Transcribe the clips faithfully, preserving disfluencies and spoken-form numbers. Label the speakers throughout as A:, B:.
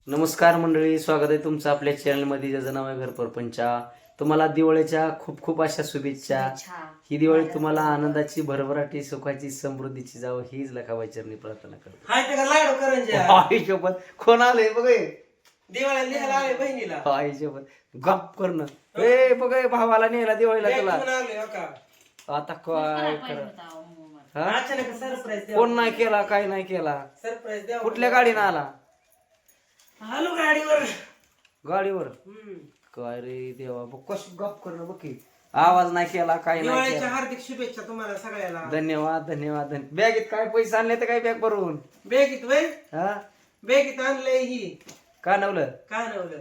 A: नमस्कार मंडळी, स्वागत आहे तुमचं आपल्या चॅनलमध्ये ज्याचं नाव आहे घर परपंचा. तुम्हाला दिवाळीच्या खूप खूप अशा शुभेच्छा. ही दिवाळी तुम्हाला आनंदाची, भरभराटी, सुखाची, समृद्धीची जावं हीच लखाबाई चरणी प्रार्थना करतो.
B: हाय ते का लाडू करंज्या
A: आई शपथ, कोण आलंय बघ हे?
B: दिवाळीला लिहायला आले बहिणीला
A: आई शपथ, गप करणं. ए बघ हे, भावाला नेला दिवाळीला
B: बॅग
A: तुला.
B: घेऊन आलोय हो का
A: आता काय कर हा?
B: अचानक सरप्राईज द्या
A: कोण नाही केला, काय नाही केला.
B: सरप्राईज द्या
A: कुठल्या गाडीनं आला?
B: आलो गाडीवर
A: गाडीवर.
B: हम्म.
A: काय रे देवा, बघ कशी गप करणं बघ की. आवाज नाही केला, काय नाही
B: दिवाळीच्या
A: केला.
B: हार्दिक शुभेच्छा तुम्हाला सगळ्याला.
A: धन्यवाद धन्यवाद धन्यवाद. बॅगेत काय पैसे आणले तर काय बॅग भरून?
B: बॅगीत वय
A: हा
B: बॅगीत आणलंय ही
A: का नवलं?
B: काय नवलं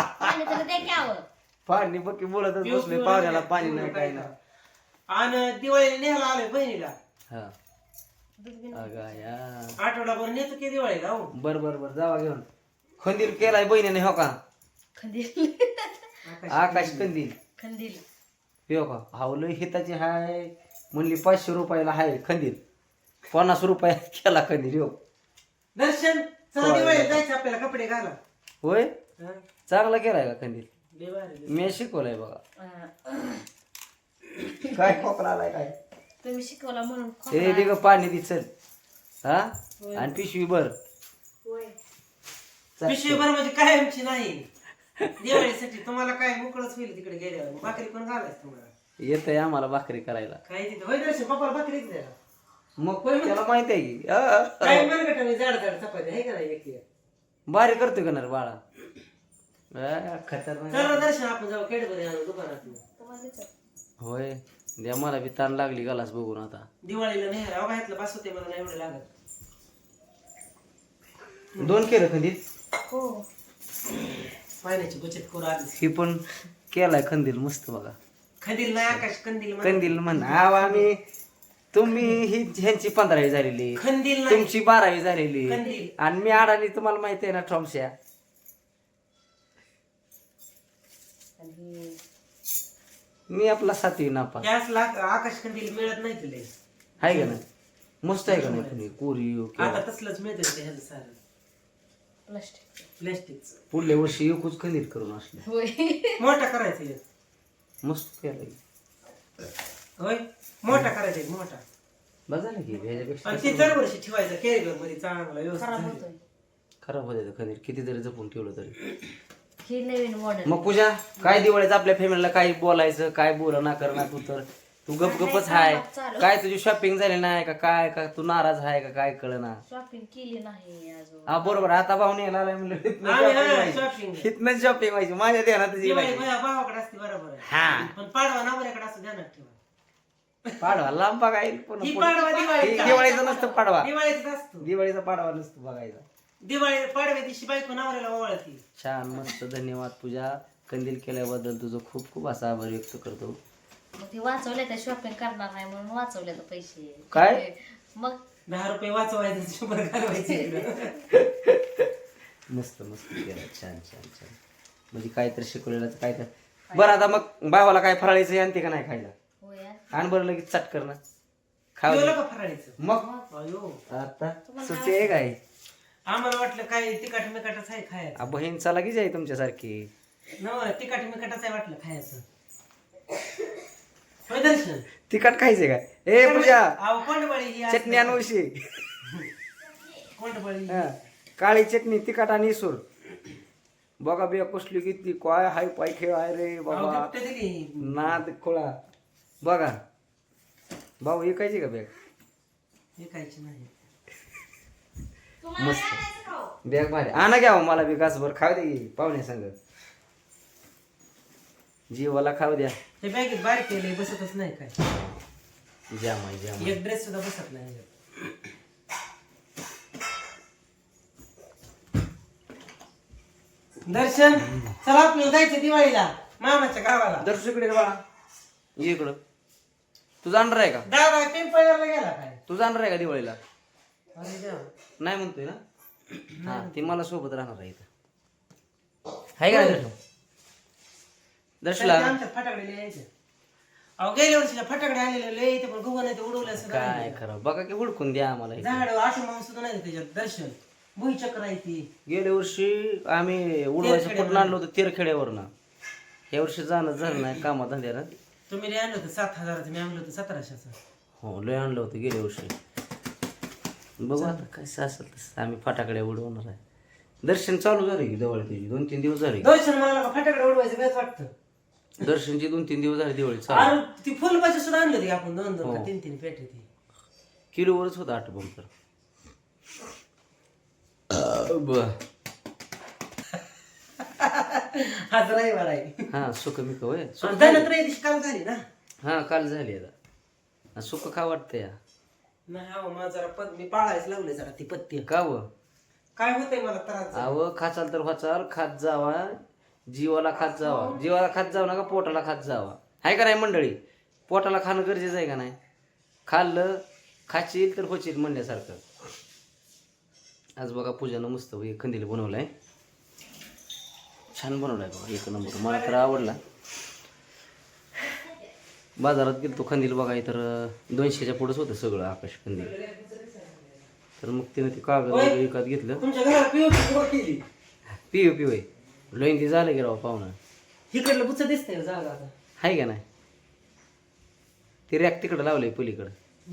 A: पाणी बघ की बोलतच
B: पिऊ-
A: बसले
B: पिऊ
A: पाहुण्याला,
B: नका,
A: पाणी
B: पिऊ
A: नाही
B: नका
A: काय
B: इथं.
A: नाही.
B: आणि दिवाळीला न्यायला आलोय बहिणीला.
A: हा अगं या.
B: आठवडाभर नेतो की दिवाळीला हो
A: बर बर बर, जावा घेऊन. खंदील केलाय बहिणीने हो का?
C: खंदील
A: आकाश कंदील
C: खंदील
A: हो का? हावलं हिताची हाय म्हणली पाचशे रुपयाला हाय खंदील, पन्नास रुपये केला खंदील हो.
B: दर्शन चला दिवाळीला जायचं आपल्याला कपडे घाला.
A: होय,
B: हा?
A: चांगला केलाय का खंदील?
B: लय भारी.
A: मी शिकवलाय बघा.
C: अं,
A: काय खोकला आलाय काय?
C: तुम्ही शिकवला म्हणून
A: हे दे ग पाणी दे चल. हा आणि पिशवी भर. चल.
B: पिशवी भर म्हणजे कायमची नाही दिवाळीसाठी तुम्हाला काय मोकळच होईल तिकडे गेल्यावर. भाकरी पण घालायच तुम्हाला.
A: येतंय आम्हाला भाकरी करायला.
B: काय तिथे होय दर्शन पप्पाला भाकरी द्या.
A: मग त्याला माहित आहे की अ,
B: काय मनगटाने जाड जाड चपाती आहे का नाही एक एक.
A: भारी करतोय का ना रे बाळा? अ, खतरनाक.
B: चला दर्शन आपण जाऊ केडबरी आणू दुकानात.
A: होय, द्या मला बी ताण लागली गलास बघून आता.
B: दिवाळीला नाही अहो घातलं बस होते मला नाही एवढं लागत.
A: दोन केलं खंदील.
C: हो
B: पाण्याची बचत करू आधी.
A: ही पण केलाय खंदील मस्त बघा.
B: खंदील नाही आकाश कंदील म्हणा.
A: कंदील म्हण आव आम्ही. तुम्ही ही ह्यांची पंधरावी झालेली,
B: खंदील नाही
A: तुमची बारावी झालेली,
B: कंदील.
A: आणि मी अडाणी तुम्हाला माहिती आहे ना ट्रॉम्सया.
C: आणि
A: मी आपला सातवी नापा
B: गॅस लाग आकाश कंदील मिळत नाही तुला.
A: आहे का नाही? मस्त आहे का नाही? तुम्ही कोरी
B: आता तसलंच मिळतं ते ह्याचं सारं
C: प्लास्टिक
B: प्लॅस्टिकचं.
A: पुढल्या वर्षी एकूच खंदील करून असले.
C: होय
B: मोठा करायचा एक.
A: मस्त केलाय.
B: होय मोठा करायचा एक मोठा.
A: बस झालं की ह्याच्यापेक्षा
B: आणि ते दरवर्षी ठेवायचं कॅरीबॅग मध्ये चांगला व्यवस्थित
C: खराब
B: झालं.
C: होतोय.
A: खराब होते खंदील किती जरी जपून ठेवलं तरी.
C: ही नवीन मॉडेल
A: मग पूजा काय दिवाळीचं आपल्या फॅमिलीला काय बोलायचं, काय बोला ना कर ना तू तर तू गप गपच हाय. काय तुझी शॉपिंग झाली नाही का काय? का तू नाराज आहे का काय कळ ना?
C: शॉपिंग केली नाही अजून.
A: हा बरोबर, आता भाऊने यायला आलाय म्हणलं
B: आम्ही हा, shopping.
A: हितनच शॉपिंग व्हायची माझ्या ध्यानातच
B: दिवाळी
A: येईल.
B: माझ्या भावाकडे असते बरोबर आहे.
A: हा
B: पण पाडवा नवऱ्याकडे असं ध्यानात ठेवा.
A: पाडवा लांब बघायला पण
B: ही पाडवा दिवाळीचा.
A: दिवाळीचा नसतं पाडवा.
B: दिवाळीचा असतो.
A: दिवाळीचा पाडवा नसतो बघायचा.
B: दिवाळी पाडव्या दिवशी बायको नवऱ्याला ओवाळती.
A: छान मस्त, धन्यवाद पूजा. कंदील केल्याबद्दल तुझं खूप खूप असा आभार व्यक्त करतो.
C: मग ते वाचवले तर शॉपिंग करणार नाही म्हणून वाचवले तर पैसे.
A: काय?
C: मग
B: दहा रुपये वाचवायचे शंभर घालवायचे इकडं.
A: मस्त मस्त केलं, छान छान छान. म्हणजे काहीतरी शिकवलेलं काय तर. बरं आता मग भावाला काय फराळीचं आणते का नाही खायला?
C: होय यार.
A: आण बरं लगेच चटकर ना खाऊ
B: जेवलं
A: दे.
B: का फराळीचं?
A: मग
B: अयो
A: आता सुट्टी आहे काय?
B: आम्हाला वाटलं काय तिकाट मिकाटच आहे खायचं.
A: आ, बहीण चला की जाई तुमच्यासारखी.
B: नव तिकाट मिकाटच आहे वाटलं खायचं. होय दर्शन.
A: तिखट खायचे काय? ए पूजा,
B: अहो कोंडबळी ही असते.
A: चटणी आणूशी.
B: कोंडबळी.
A: हा, काळी चटणी तिखट आणि इसूर. बघा बिया कसली किती काय हाय पाय खेळ आहे रे
B: अहो,
A: बाबा.
B: गिफ्ट दिली.
A: नाद खोळा. बघा भाऊ विकायची का बॅग?
B: विकायची नाही.
A: मस्त बॅग भारी. आणा घ्या मला बी घासभर खाऊ दे की पाहुणे संग. जीवाला खाऊ द्या.
B: ते बॅगेत बारीक केले बसतच नाही काय.
A: जाम आहे जाम.
B: एक ड्रेस सुद्धा बसत नाही ह्याच्यात. दर्शन चला आपल्याला जायचं दिवाळीला मामाच्या गावाला.
A: दर्शक इकडे बाळा ये इकडं. तू जाणार आहे का?
B: दादा पिंपळ्याला गेला काय?
A: तू जाणार आहे का दिवाळीला?
B: अरे देवा.
A: नाही म्हणतोय ना. हा ती मला सोबत राहणार आहे इथं. आहे का नाही दर्शन? दर्शला
B: आमच्यात फटाकडे यायचे. अहो गेल्या वर्षीला फटाकडे आलेले लय इथे पण गुगल नाही ते उडवलं सुद्धा
A: काय
B: नाही.
A: खरं बघा की हुडकून द्या आम्हाला इथं.
B: झाड आठ माणूस सुद्धा नाही त्याच्यात. दर्शन भुईचक्र आहे ती.
A: गेल्या वर्षी आम्ही उडवायचं कुठून आणलं होतं तेरखेड्यावरनं. या वर्षी जाणं झालं नाही कामा धंद्यानं.
B: तुम्ही लय आणलं होतं सात हजाराचं, मी आणलं होतं सतराशेचं.
A: हो लय आणलं होतं गेल्या वर्षी. बघू आता कसं असेल तसं आम्ही फटाकडे उडवणार आहे. दर्शन चालू झाले की दिवाळी त्याची दोन तीन दिवस झाले.
B: दर्शन मला का फटाकडे उडवायचं बेस वाटतं.
A: दर्शनची दोन तीन दिवस झाले दिवाळी चालू.
B: अरे ती फुलबाजी सुद्धा आणलं होती आपण दोन दोन
A: हो.
B: का तीन तीन पेटे ती.
A: किलोवरच होतं आठ बंब तर. बर
B: आज रविवार आहे.
A: हा सुख मी होय
B: धनत्रय दिवशी काल झाली ना.
A: हा काल झाली आता. सुख का वाटतं या
B: नाही अहो मला जरा पद मी पाळायच लावले जरा ती पत्ती.
A: का व
B: काय होतंय मला त्रास.
A: अव खाचाल तर वाचाल खात जावा जीवाला खात जावा. जीवाला खात जाऊ नका पोटाला खात जावा. आहे का नाही मंडळी. पोटाला खाणं गरजेचं आहे का नाही. खाल्लं खाशील तर होशील म्हणण्यासारखं. आज बघा पूजानं मस्त एक खंदील बनवलाय. छान बनवलाय बघा एक नंबर. मला तर आवडला. बाजारात गेलो तो खंदील बघाय तर दोनशेच्या पुढंच होतं सगळं आकाश खंदील. तर मग तिने ते कागद वगैरे विकत घेतलं.
B: तुमच्या घरात पिओ केली.
A: पिव पिवय लोईन झालं की राव पाहुणं.
B: इकडलं बुच दिसतंय जागा आता.
A: आहे का नाही. ते रॅक तिकडं लावलंय पलीकडं.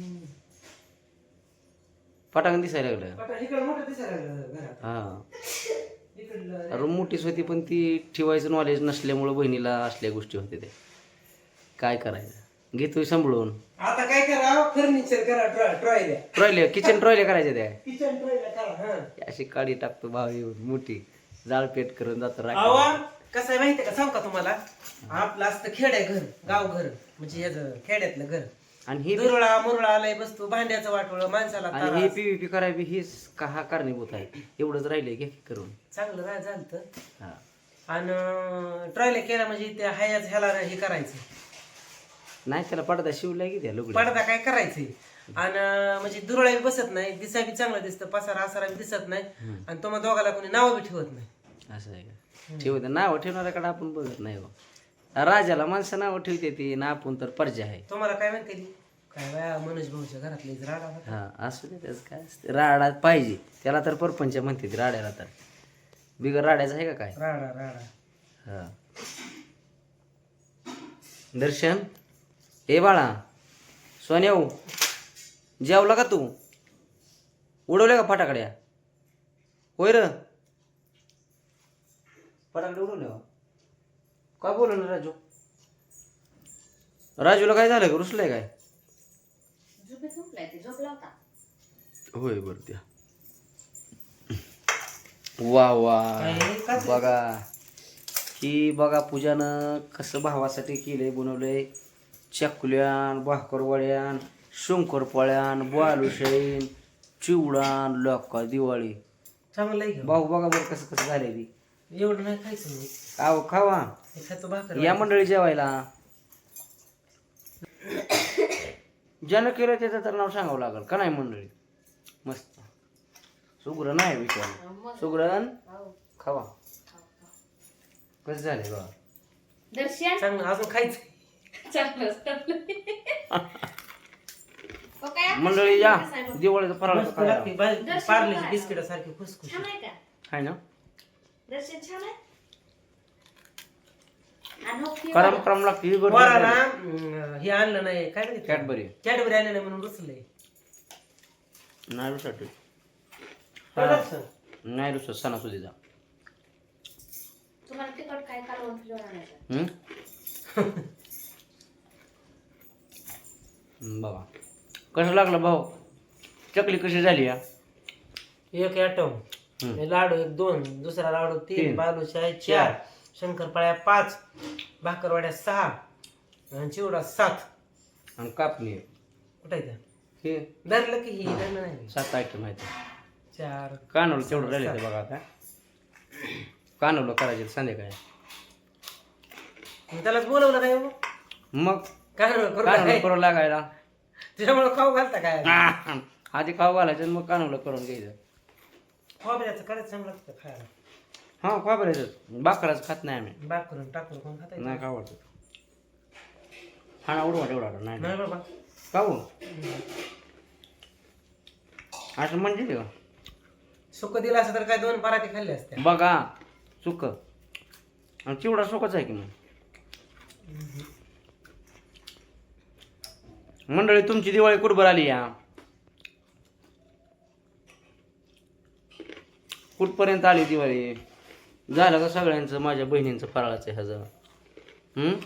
A: पटांगण दिसायला लागलं.
B: आता इकडं मोठं दिसायला लागलं घरात.
A: हा
B: इकडलं
A: रूम मोठीच होती पण ती ठेवायचं नॉलेज नसल्यामुळं बहिणीला असल्या गोष्टी होते ते. काय करायचं घेतोय सांभाळून.
B: आता काय करा फर्निचर करा ट्रॉयल्या.
A: ट्रॉयले किचन ट्रॉयले करायच्या त्या.
B: किचन ट्रॉयल्या करा. हा
A: अशी काडी टाकतो भाव येऊन मोठी जाळ पेट करून जातो राख.
B: आवा कसं आहे माहितीये का सांग का तुम्हाला. आपलं असतं खेड्या घर गाव घर म्हणजे याचं खेड्यातलं घर.
A: आणि ही
B: दुरळा मुरळा आलाय बसतो भांड्याचं वाटोळं माणसाला
A: आणि
B: त्रास.
A: ही पीव्हीपी करावी हीच का हा कारणीभूत आहे. एवढंच राहिले घे करून.
B: चांगलं राह झालं.
A: हा
B: आणि ट्रॉयल्या केला म्हणजे त्या हायाच ह्याला हे करायचं.
A: नाही त्याला पडदा शिवला की त्या लुगडी.
B: पडदा काय करायचंय. आणि म्हणजे दुरळा बी बसत नाही दिसा बी चांगलं दिसतं पसारा आसारा बी दिसत नाही. आणि तुम्हाला दोघाला कोणी नाव बी ठेवत नाही.
A: असं आहे का. ठेवते नाव ठेवणाऱ्याकडे आपण बघत नाही हो. राजाला माणसं नाव ठेवते ती ना आपण तर पर्जा आहे.
B: तुम्हाला काय म्हणते ती? काय बाया मनोज भाऊच्या घरातले राडा होता.
A: हा असू दे त्याच काय असते. राडा पाहिजे त्याला तर परपंच म्हणते ती राड्याला. तर बिगर राड्याचं आहे का काय.
B: राडा राडा.
A: हा दर्शन ए बाळा सोन्याऊ जेवला का तू. उडवले का फटाकड्या. होय र फटाकडे उडवले का. काय बोल ना राजू. राजूला काय झालं का रुसलंय काय.
C: झोपेत झोपलाय ते झोपला होता.
A: होय बर त्या वा वा
B: काय का ते?
A: बघा ही बघा पूजानं कसं भावासाठी केलंय बनवलंय. चकुल्यान भाकरवड्यान शंकरपाळ्यान बालुशाईन चिवडान लोका दिवाळी.
B: चांगलं आहे की.
A: भाऊ बघा बरं कसं कसं झालंय ती.
B: एवढं नाही खायचं मी.
A: आव खावा
B: हे खातो भाकर.
A: या मंडळी जेवायला. ज्यानं केलं त्याचं तर नाव सांगावं लागल का नाही मंडळी. मस्त सुग्रण आहे विचार सुग्रण
C: हो.
A: खावा. कसं झालंय बघा.
C: दर्शन
B: चांगलं अजून खायचं.
C: चांगलं हो काय?
A: मंडळी या दिवाळीचं फराळ
B: मस्त लागते. बा- पार्लेची बिस्किट सारखी खुसखुशी.
C: छान आहे का
A: आहे ना.
C: दर्शन छान आहे. आणि हो की
A: करम करम लागते ही गोड
B: पोराला अं, हे आणलं नाही काय म्हणते
A: कॅडबरी
B: कॅडबरी आणलं नाही म्हणून रुसलंय.
A: नाही रुसाठी
B: रडायचं.
A: नाही रुसत सणासुदीचा.
C: तुम्हाला तिखट काय कालवण फ्लेवर आणायचं.
A: हम्म? बघा कसं लागलं भाऊ. चकली कशी झाली या.
B: एक ॲटम
A: हम्म.
B: लाडू एक दोन दुसरा लाडू तीन
A: तीन.
B: बालुशाही चार शंकरपाळ्या पाच भाकरवाड्या सहा आणि चिवडा सात.
A: आणि कापणी
B: कुठं आहे
A: हे
B: धरलं की ही धरलं नाही.
A: सात आयटम आहेत.
B: चार
A: कानवलं तेवढं राहिले ते बघा आता. कानवलं करायचे संध्याकाळी.
B: मग त्यालाच बोलवलं काय मग
A: मग
B: काय करू
A: कानवलं
B: काय?
A: करून लागायला.
B: त्याच्यामुळे खाऊ घालता काय
A: आधी खाऊ घालायचं आणि मग कानवलं करून घ्यायचं.
B: खोबऱ्याचं करायचं चांगलं लागतं खायला.
A: हा खोबऱ्याचं बाकराचं खात नाही आम्ही.
B: बाग करून टाकून कोण खाता येतं?
A: नाही खाऊ वाटत. हा ना उडवा तेवढा नाही
B: नाही बाबा
A: खाऊ असं म्हणजे का
B: सुक दिलं असं तर काय दोन पराठे खाल्ले असते.
A: बघा सुक आणि चिवडा सुकच आहे की मग. मंडळी तुमची दिवाळी कुठबर आली या, कुठपर्यंत आली दिवाळी? झालं का सगळ्यांचं माझ्या बहिणींचं फराळाचं ह्याचं? हम्म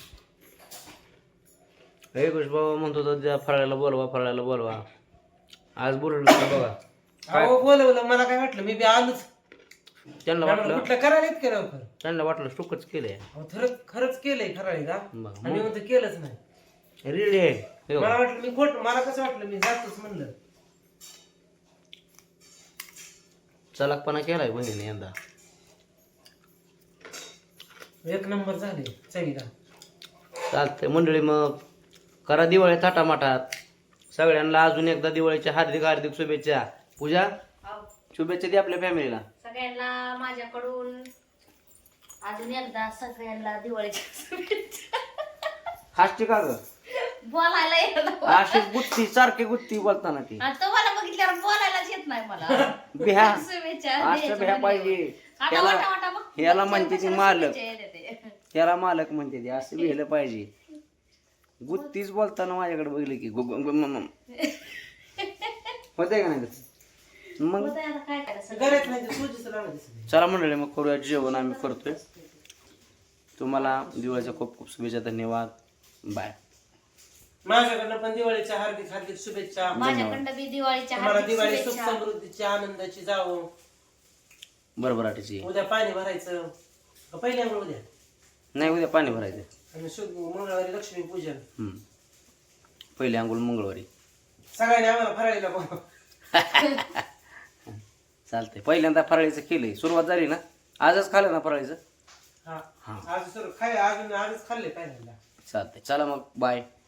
A: हे गोष्ट बाबा म्हणतो तर त्या फराळाला बोलवा फराळाला बोलवा. आज बोलवलं का बघा.
B: अहो बोलवलं, मला काय वाटलं मी बी आलोच.
A: त्यांना वाटलं
B: कुठलं करायला इतकं लवकर?
A: त्यांना वाटलं सुकच केलंय.
B: अहो, खरंच खरंच केलंय खराळी का?
A: बघा
B: आणि मी म्हणतो केलंच नाही.
A: रेडी आहे हे बघा.
B: मला वाटलं मी खोट, मला कसं वाटलं मी जातोच म्हणलं.
A: चलाकपणा केलाय बहिणीने यंदा.
B: एक नंबर झाले चवीला.
A: चालतंय मंडळी, मग करा दिवाळी थाटामाटात. सगळ्यांना अजून एकदा दिवाळीच्या हार्दिक हार्दिक शुभेच्छा. पूजा शुभेच्छा दे आपल्या फॅमिलीला.
C: सगळ्यांना माझ्याकडून अजून एकदा सगळ्यांना दिवाळीच्या शुभेच्छा.
A: हास्टी का ग
C: बोलायला येत नाही.
A: अशी गुत्ती सारखी गुत्ती बोलताना ती
C: आणि तुम्हाला बघितल्यावर बोलायलाच येत नाही मला.
A: बिहा
C: शुभेच्छा
A: असं
C: द्यायचं
A: बिहा
C: म्हणजे.
A: पाहिजे.
C: आता
A: त्याला
C: वाटा वाटा बघ.
A: ह्याला म्हणते ती मालक,
C: शुभेच्छा येते.
A: त्याला मालक म्हणते ती. असं बिहलं पाहिजे. गुत्तीच बोलताना माझ्याकडे बघितलं की गु- गु- गु- म- म. होतंय का नाही तसं? मग
C: होतंय आता काय करायचं.
B: घरात नाही तर सोजीचं लागलं दिसत.
A: चला मंडळी, मग करूया जेवण. आम्ही करतोय. तुम्हाला दिवाळीच्या खूप खूप शुभेच्छा. धन्यवाद. बाय.
B: माझ्याकडनं पण दिवाळीच्या हार्दिक हार्दिक शुभेच्छा.
C: माझ्याकडनं बी दिवाळीच्या
B: तुम्हाला
C: हार्दिक
B: दिवाळी सुख
C: शुभेच्छा.
B: समृद्धीची आनंदाची जावो.
A: बरोबर आठीची
B: उद्या पाणी भरायचं का पहिल्या आंघोळ उद्या,
A: नाही, उद्या पाणी भरायचं.
B: आणि शुभ मंगळवारी लक्ष्मी पूजन.
A: हम्म. पहिले अंघोळ मंगळवारी.
B: सगळ्यांनी आम्हाला फराळीला बोलवा.
A: चालतंय. पहिल्यांदा फराळीचं केलंय, सुरुवात झाली ना. आजच खाल्लं ना फराळीचं.
B: हा
A: हा
B: आज सर खाय अजून आजच खाल्ले पहिल्यांदा.
A: चालतंय. चला मग बाय.